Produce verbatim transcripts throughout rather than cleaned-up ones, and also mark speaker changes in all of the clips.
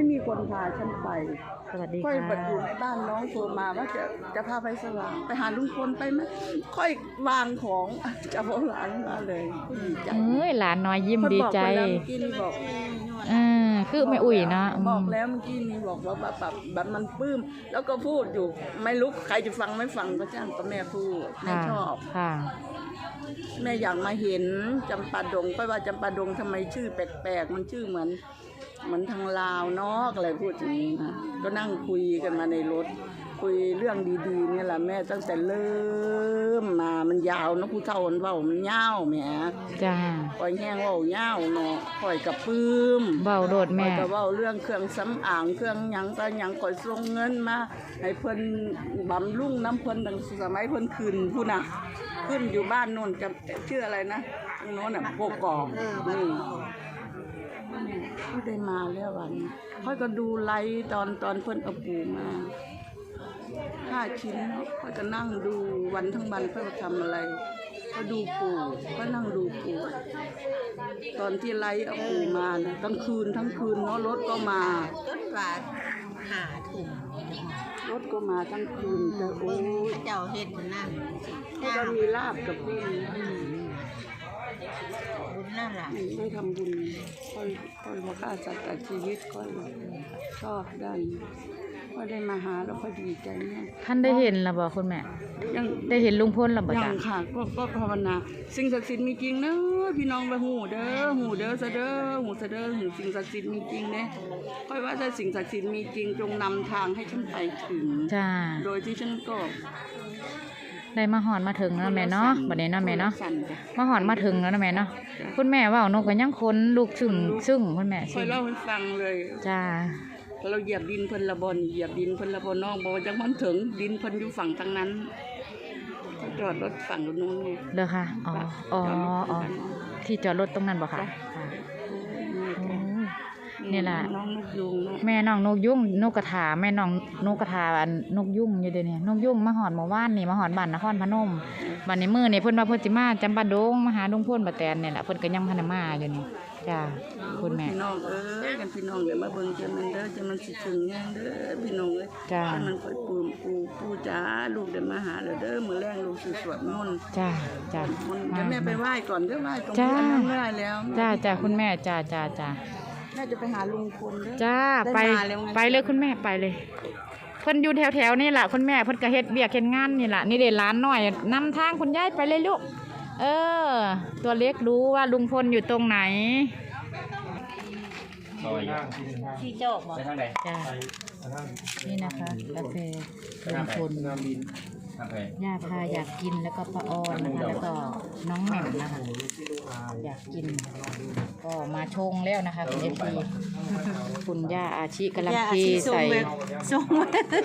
Speaker 1: ไม่มีคนพาฉันไป
Speaker 2: สวัสดีค่ะ
Speaker 1: ค่อยบัดอยู่ในบ้านน้องโทรมาว่าจะจะพาไปสว่างไปหาลุงพลไปไหมค่อยวางของจะเอาหลานมาเลยดีใจ
Speaker 2: เอ้ยหลานน้อยยิ้มดีใจ
Speaker 1: เมื่อกี้นี่บอก
Speaker 2: เออคือไม่อุ่ยเนาะ
Speaker 1: บอกแล้วเมื่อกี้นี่บอกว่าแบบแบบมันปลื้มแล้วก็พูดอยู่ไม่รู้ใครจะฟังไม่ฟังก็ช่างก็แม่พูดแม่ชอบ
Speaker 2: ค่ะ
Speaker 1: แม่อยากมาเห็นจำปาดงก็ว่าจำปาดงทำไมชื่อแปลกๆมันชื่อเหมือนเหมือนทางลาวเนาะอะไรพูดอย่างนี้นะก็นั่งคุยกันมาในรถคุยเรื่องดีๆนี่แหละแม่ตั้งแต่เริ่มมามันยาวนะผู้เฒ่ามันเว้ามันยาวแหม
Speaker 2: จ้า
Speaker 1: ปล่อยแห้งเว้ายาวเนาะปล่อยกับปื้ม
Speaker 2: เว้าโดดแม่
Speaker 1: ก็เว้าเรื่องเครื่องสำอางเครื่องหยังก็หยังก่อยส่งเงินมาให้เพิ่นบำรุงน้ำเพิ่นตั้งสมัยเพิ่นขึ้นผู้น่ะขึ้นอยู่บ้านโน่นจำชื่ออะไรนะตรงโน้นน่ะโกกอกนี่ไม่ได้มาแล้ววันค่อยก็ดูไลฟ์ตอนตอนเพิ่นเอาปูมาห้าชิ้นค่อยก็นั่งดูวันทั้งวันเพื่อทำอะไรก็ดูปูก็นั่งดูปูตอนที่ไลฟ์เอาปูมานะกลางคืนทั้งคืนเนาะรถก็มา
Speaker 3: จนว่าหาถุง
Speaker 1: รถก็มาทั้งคืนแต่โอ้ย
Speaker 3: เจ้าเฮ็ดนั่น
Speaker 1: ก็มีลาบกับบุญ
Speaker 3: บุญนั่นแหละ
Speaker 1: ได้ทำบุญค่อยค่อยมาฆ่าสัตว์ตัดชีวิตค่อยชอบได้ก็ได้มาหาแล้วก็ดีใจเนี่ย
Speaker 2: ท่านได้เห็นแล้วบอกคุณแม่ยังได้เห็นลุงพลหรือเปล่า
Speaker 1: ยังค่ะก็ก็ภาวนาสิ่งศักดิ์สิทธิ์มีจริงเนอะพี่น้องไปหูเด้อหูเด้อซะเด้อหูซะเด้อหูสิ่งศักดิ์สิทธิ์มีจริงเนี่ยค่อยว่าถ้าสิ่งศักดิ์สิทธิ์มีจริงจงนำทางให้ฉันไปถึง
Speaker 2: จ้า
Speaker 1: โดยที่ฉันก็
Speaker 2: ได้มาหอนมาถึงแล้วแม่เนาะบัดนี้เนาะแม่เนาะมาหอนมาถึงแล้วนะแม่เนาะคุณแม่ว่านกก็ยังค้นลูกซึ่งซึ่งคุณแม่
Speaker 1: ค่อยเล่าให้ฟังเลย
Speaker 2: จ้า
Speaker 1: เราเหยียบดินเพิ่นละบอนเหยียบดินเพิ่นละบอนน้องบอกยังมันถึงดินเพิ่นอยู่ฝั่งทางนั้นจอดรถฝั่งตรงนู้นไง
Speaker 2: เด้อค่ะอ๋ออ๋ออ๋อที่จอดรถตรงนั้นบ่ค่ะนี่แหละ
Speaker 1: น้องนกยุง
Speaker 2: แม่น้องนกยุงนกกระถาแม่น้องนกกระถาอันนกยุงอยู่เดี๋ยวนี้นกยุงมาหอนเมื่อวานนี่มาหอนบ้านนครพนมวันนี้มื้อนี่เพิ่นว่าเพิ่นสิมาจำปาดงมาหาลุงพลป้าแตนนี่แหละเพิ่นก็ยังพันมาอยู่นี่จ้าคุณแม่
Speaker 1: พี่น้องเอ้ยกันพี่น้องเดี๋ยวมาเบิ่งจังมันเด้อจังมันสิถึงแฮงเด้อพี่น้องเอ้ย
Speaker 2: จ้า
Speaker 1: มันค่อยปูปูปูจ๋าลูกเดี๋ยวมาหาเด้อมื้อแรงลูกสิสวดมนต์
Speaker 2: จ้าจ้า
Speaker 1: เดี๋ยวแม่ไปไหว้ก่อนเด้อไหว้ตรงนี้อันนั้นไหว้แล้ว
Speaker 2: จ้าจ้าคุณแม่จ้าจ้าจ้า
Speaker 1: แม่จะไปหาลุงพลเด้อ
Speaker 2: จ้าไปไปเลยคุณแม่ไปเลยเพิ่นอยู่แถวๆนี่แหละคุณแม่เพิ่นก็เฮ็ดเบียกเฮ็ดงานนี่แหละนี่เด็ดร้านหน่อยนำทางคุณยายไปเลยลูกเออตัวเล็กรู้ว่าลุงพลอยู่ตรงไหน
Speaker 3: ที่เจ้าบอก
Speaker 2: จ้านี่นะคะกาแฟลุงพลย่าพาอยากกินแล้วก็ป้าออนนะคะแล้วก็น้องแหม่มนะคะอยากกินก็มาชงแล้วนะคะคุณเอฟซีคุณย่าอาชิกำลังเทใส่
Speaker 3: ส่ง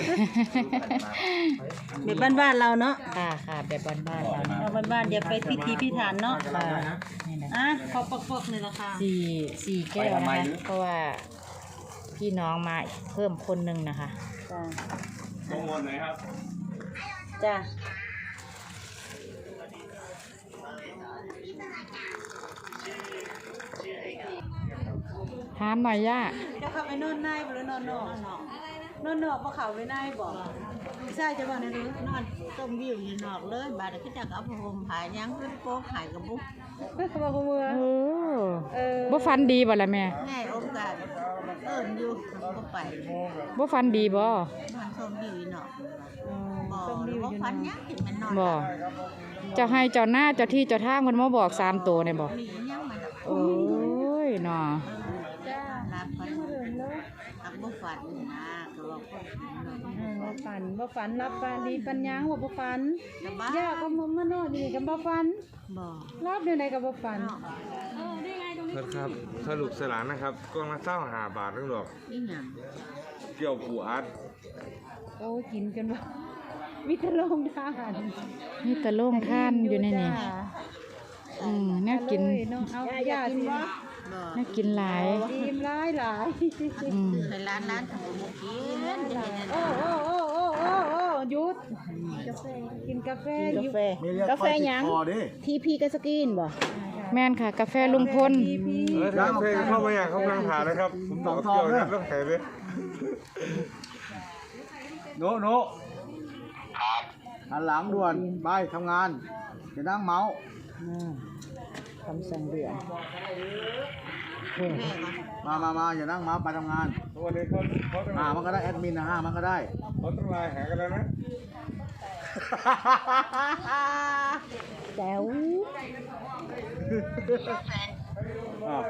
Speaker 3: แบบบ้านๆเราเนาะ
Speaker 2: ค่ะค่ะแบบบ้านๆเรา
Speaker 3: เราบ้านๆอย่าไปพิธีพิถันเนาะนี่นะอ่ะขอปอกๆเลยละค่ะ
Speaker 2: สี่สี่แก้วนะคะเพราะว่าพี่น้องมาเพิ่มคนหนึ่งนะคะ
Speaker 3: จ้า
Speaker 4: โมนไหนครับ
Speaker 3: จ้า
Speaker 2: ถามหน่อยย่า
Speaker 3: จะเข้าไปนอนในหรือนอนนอกนอนนอกเพราะเขาไปในบอกใช่จะบอกในรู้นอนต้มวิวอยู่นอกเลยบาดขึ้นจากเอาผมหายยังขึ้นโป๊กหายกับบุ๊ก
Speaker 2: เขาบอกมือเออบ่ฟันดีบ่ล่ะแม่
Speaker 3: แม่องค์การเอิ้นอยู่ก็ไป
Speaker 2: บ่ฟันดีบ่
Speaker 3: นอนต้มวิวอยู่นอกบ่บ่ฟันยังกินมันนอน
Speaker 2: บ่เจ้าให้เจ้าหน้าเจ้าที่เจ้าทางมันมาบอกสามตัวเนี่ยบ่โอ้ยเนาะ
Speaker 3: รับฟันรับบ่ฟันนะก็บอก
Speaker 5: บ่ฟันบ่ฟันรับฟันดีปัญญาหัวบ่ฟันย่าก็มานอนนี่ก็บ่ฟัน
Speaker 3: บ่
Speaker 5: รับอยู่ไหนก็บ่ฟัน
Speaker 4: เออได้ไงตรงนี้ครับสรุปสลานนะครับกล่องละเก้าสิบห้าบาทนึงดอก
Speaker 3: นี่หยัง
Speaker 4: เกี่ยวปูอัด
Speaker 5: โอ้กินกันบ่มีแต่โรงทาน
Speaker 2: มีแต่โรงทานอยู่ในนี่อืมน่ากิน
Speaker 5: เอาย่าสิ
Speaker 2: น่ากินหลาย
Speaker 5: กินหลายหลาย
Speaker 3: อืมในร้านร้านของบ่กิน
Speaker 5: โอ้โอ้โอ้โอ้โอ้โอ้หยุดกาแฟกินกาแฟ
Speaker 3: กาแฟ
Speaker 5: กาแฟหยังทีพีกัสกินบ่
Speaker 2: แม่นค่ะ กาแฟลุงพล
Speaker 4: เออถ้าเพลงเข้ามาอย่างเขากำลังถ่ายนะครับผมบอกเกี่ยวกับต้องถ่ายเลย
Speaker 6: โนโนหันหลังด่วนไปทำงานจะนั่งเมาส์
Speaker 2: คำสั่งเดือน
Speaker 6: มามามาอย่านั่งเมาส์ไปทำงาน
Speaker 4: วันนี้เขาเขาต้อง
Speaker 6: อ่ามันก็ได้แอดมินนะฮะมันก็ได้
Speaker 4: เขาต้องไลน์หากันแล้วนะ
Speaker 2: แจ๋ว
Speaker 6: อ่า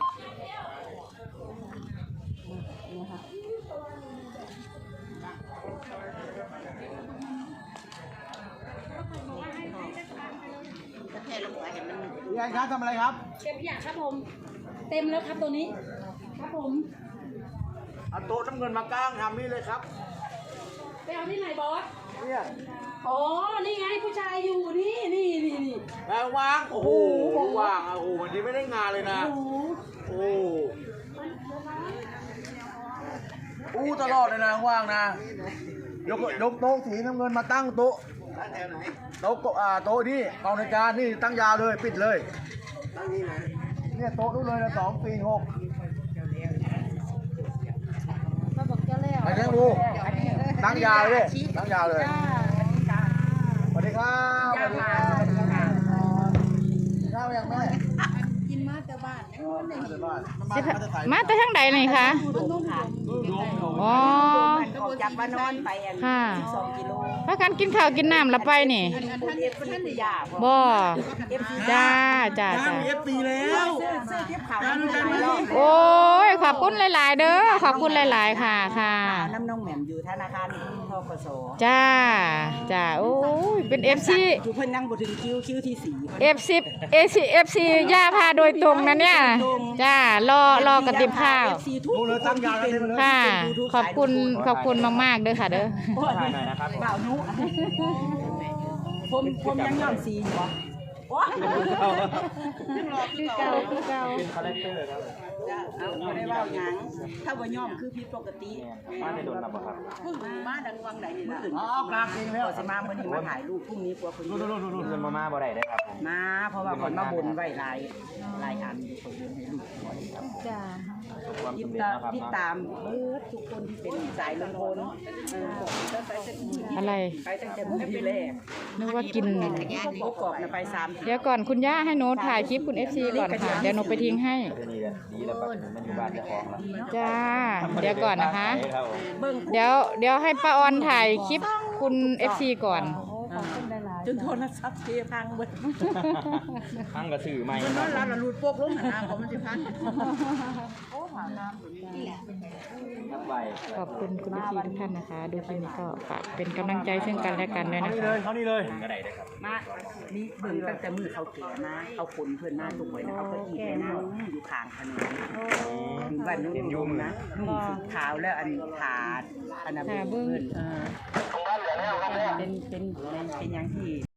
Speaker 3: จะแค่ลงไปเห็นมัน
Speaker 6: พี่แอนครับทำอะไรครับ
Speaker 5: เก็บขยะครับผม เต็มแล้วครับตัวนี้ ครับผม
Speaker 6: เอาโต๊ะน้ำเงินมากางทำนี่เลยครับ
Speaker 5: ไปเอาที่ไหนบอส
Speaker 6: เนี่ย
Speaker 5: อ๋อ นี่ไงผู้ชายอยู่นี่นี่นี่นี่
Speaker 6: แรงวางโอ้โหว่างอ่ะโอ้โหวันนี้ไม่ได้งานเลยนะโอ้อู้ตลอดเลยนะว่างนะยกยกโต๊ะสีน้ำเงินมาตั้งโต๊ะโต๊ะก็อ่าโต๊ะนี่กองในการนี่ตั้งยาวเลยปิดเลยตั้งนี่นะเนี่ยโต๊ะนู้นเลยนะสองสี่หก
Speaker 5: มาบอกเจ้าแล้ว
Speaker 6: ไปเลี้ยงดูตั้งยาวเลยตั้งยาวเลยสวัสดีครับสวัสดีครับข้าวยังแม่
Speaker 3: กินมาแต่บ้านยังคนไหน
Speaker 6: มาแต่บ้าน
Speaker 2: สิพะมาแต่ทางใดนี่คะอ๋อ
Speaker 3: ก็จับมานอนไปอัน
Speaker 2: ค่ะ
Speaker 3: สองกิโล
Speaker 2: พากันกินข้าวกินน้ำละไปนี่
Speaker 3: ท่านเอฟท่านได้ยาบ่
Speaker 2: บ่จ้าจ้าจ้า
Speaker 6: เอฟซีแล้ว
Speaker 3: ซื้อซื้อทิพย์ขาวน้ำหลายรอบ
Speaker 2: โอ้ย ขอบคุณหลาย ๆ เด้อ ขอบคุณหลาย ๆ ค่ะ ค่ะ
Speaker 3: น้ำนองแหม่มอยู่ธนาคารทกส
Speaker 2: จ้า จ้า โอ้ย เป็น เอฟ ซี
Speaker 3: อยู่เพิ่นนั่งบ่ถึงคิวคิวที่สี่
Speaker 2: เอฟ ซี เอ ซี เอฟ ซี ย่าพาโดยตรงนะเนี่ย จ้า รอ รอกระติบข้าว
Speaker 6: ดูเลยตั้งยาวเลยเลย
Speaker 2: ค่ะ ขอบคุณ ขอบคุณมาก ๆ เด้อค่ะ เด้อ
Speaker 3: บ่าวนุผมผมยังย่อมสีอยู่บ่โอ้ยังรอคือเก่าคือเก่าเป็นคาแรคเตอร์ครับเอาบ่ได้เว้าหยังถ้าว่าย่อมคือผิดปกติมาได้โดนรับบ่ครับเพิ่งมาดังวังใดนี่ล่ะ
Speaker 6: อ๋อกลางเองแล้ว
Speaker 3: สิมามื้อนี้มาถ่ายรูปพรุ่งนี้กลัวคนเยอะ
Speaker 6: นู่น
Speaker 7: เงินมาม่าบ่ได้ได้ครับผม
Speaker 3: มาเพราะว่าคนมาบนไว้หลายหลายอันคนบนให้ลูกก่อนครับ
Speaker 2: จ้า
Speaker 7: ความ
Speaker 3: ติด
Speaker 7: สำเร็จ
Speaker 3: ตาม
Speaker 7: นะครับ
Speaker 3: ติดตามเบิดทุกคนที่เป็นสายลุงพลเออไปตั้งแต่
Speaker 2: อะไร
Speaker 3: ไปตั้งแต่มื้อที่แรก
Speaker 2: นึกว่ากิน
Speaker 3: พวกกรอบน่ะไปสามที
Speaker 2: เดี๋ยวก่อนคุณย่าให้โน้ตถ่ายคลิปคุณ เอฟ ซี ก่อนค่ะ เดี๋ยวโน้ตไปทิ้งให้
Speaker 7: เดี๋ยวนี้ก็ดีแล้วครับมันอยู่บ้านเจ้าของแล้ว
Speaker 2: จ้า เดี๋ยวก่อนนะคะ
Speaker 7: ครับผม
Speaker 3: เบิ่ง
Speaker 2: เดี๋ยว เดี๋ยวให้ป้าออนถ่ายคลิปคุณ เอฟ ซี ก่อน
Speaker 3: จนโทรศัพท์เทพังเบิด
Speaker 7: ทั้งกระสือใหม่
Speaker 3: มัน
Speaker 7: คน
Speaker 3: อ
Speaker 7: รั
Speaker 3: น
Speaker 7: บ
Speaker 3: รับแล้วรูดโป๊กลงหันหน้าของมันสิพัน
Speaker 7: ครับใบ
Speaker 2: ขอบคุณคุณ เอฟ ซี ทุกท่านนะคะ ดูคลิปนี้ก็ฝากเป็นกำลังใจซึ่งกันและกันด้วย
Speaker 6: เขา
Speaker 2: นะ
Speaker 6: นี่
Speaker 2: คะ
Speaker 6: เลยเขานี่เลย
Speaker 7: ก็ได้เลยครับ
Speaker 3: มานี่เบิ่งตั้งแต่มือเขาแก่มาเอาคนเพิ่นมาทุกคนเอาเก้าอี้ไปนั่งอยู่ข้างถนนอยู่บ้านนู้นนุ่มนะนุ่มสุดขาวแล้วอันขาดอันนั้นเพิ่นเออเป็นเป็นเป็นอย่างที่